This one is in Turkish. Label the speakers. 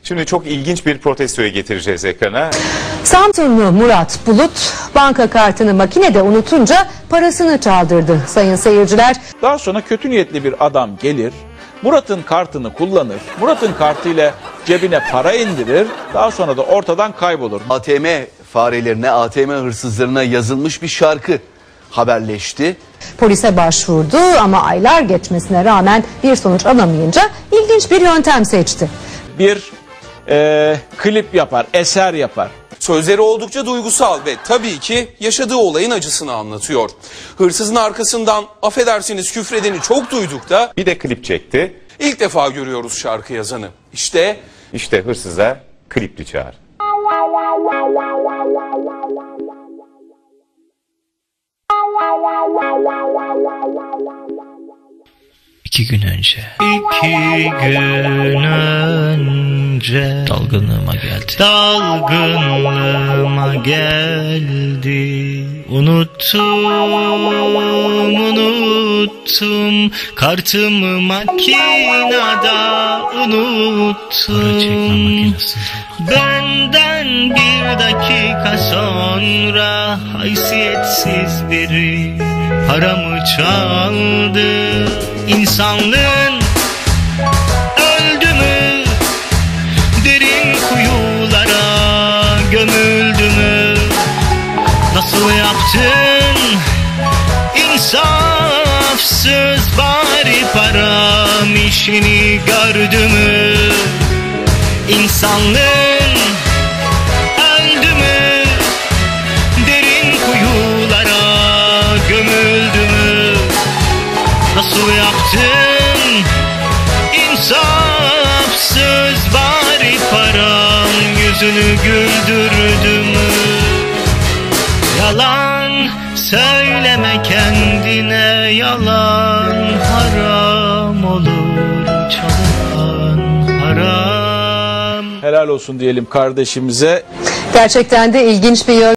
Speaker 1: Şimdi çok ilginç bir protestoyu getireceğiz ekrana.
Speaker 2: Samsunlu Murat Bulut banka kartını makinede unutunca parasını çaldırdı sayın seyirciler.
Speaker 3: Daha sonra kötü niyetli bir adam gelir, Murat'ın kartını kullanır, Murat'ın kartıyla cebine para indirir, daha sonra da ortadan kaybolur.
Speaker 4: ATM farelerine, ATM hırsızlarına yazılmış bir şarkı haberleşti.
Speaker 2: Polise başvurdu ama aylar geçmesine rağmen bir sonuç alamayınca ilginç bir yöntem seçti.
Speaker 3: Bir klip yapar, eser yapar.
Speaker 5: Sözleri oldukça duygusal ve tabii ki yaşadığı olayın acısını anlatıyor. Hırsızın arkasından affedersiniz küfredeni çok duyduk da
Speaker 1: Bir de klip çekti.
Speaker 5: ilk defa görüyoruz şarkı yazanı. İşte
Speaker 1: Hırsıza klipli çağrı.
Speaker 6: İki gün önce dalgınlığıma geldi. Unuttum kartımı makinada unuttum. Benden bir dakika sonra haysiyetsiz biri paramı çaldı. İnsanlığın öldü mü? Derin kuyulara gömüldü mü? Nasıl yaptın? İnsafsız bari param işini gördü mü? İnsanlığın öldü mü? Derin kuyulara gömüldü mü? Nasıl yaptın? İnsafsız bari param yüzünü güldürdü mü? Yalan söyleme kendine, yalan haram olur, çalan haram.
Speaker 3: Helal olsun diyelim kardeşimize.
Speaker 2: Gerçekten de ilginç bir yöntem.